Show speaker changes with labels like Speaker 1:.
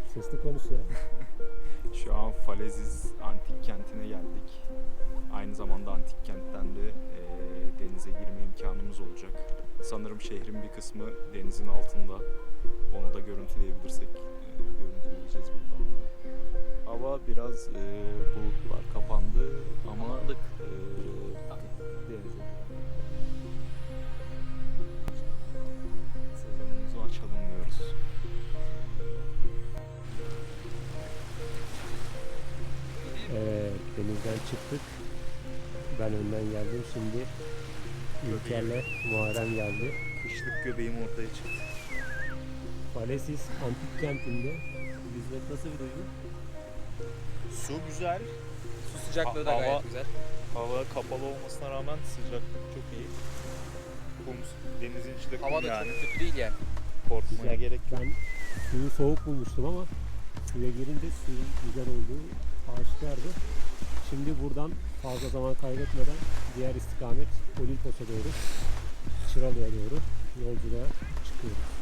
Speaker 1: Sesli konusu ya.
Speaker 2: Şu an Faleziz antik kentine geldik. Aynı zamanda antik kentten de denize girme imkanımız olacak. Sanırım şehrin bir kısmı denizin altında. Onu da görüntüleyebilirsek görüntüleyeceğiz buradan da. Hava biraz bulutlar kapandı ama denize sezonumuzu açalım diyoruz.
Speaker 1: Evet, denizden çıktık. Ben önden geldim. Şimdi İlker'le Muharrem geldi.
Speaker 2: Kışlık göbeğim ortaya çıktı.
Speaker 1: Faleziz antik kentinde. Hizmet nasıl bir duygu?
Speaker 2: Su güzel.
Speaker 3: Su sıcaklığı da
Speaker 2: Hava-
Speaker 3: gayet güzel.
Speaker 2: Hava kapalı olmasına rağmen sıcaklık çok iyi. Kum, denizin içinde kum
Speaker 3: Hava da
Speaker 2: yani.
Speaker 3: çok kötü değil yani.
Speaker 2: Korkmaya gerek yok.
Speaker 1: Ben suyu soğuk bulmuştum ama suya girince suyun güzel olduğu aşikardı. Şimdi buradan fazla zaman kaybetmeden diğer istikamet Olimpos'a doğru, Çıralı'ya doğru yolculuğa çıkıyoruz.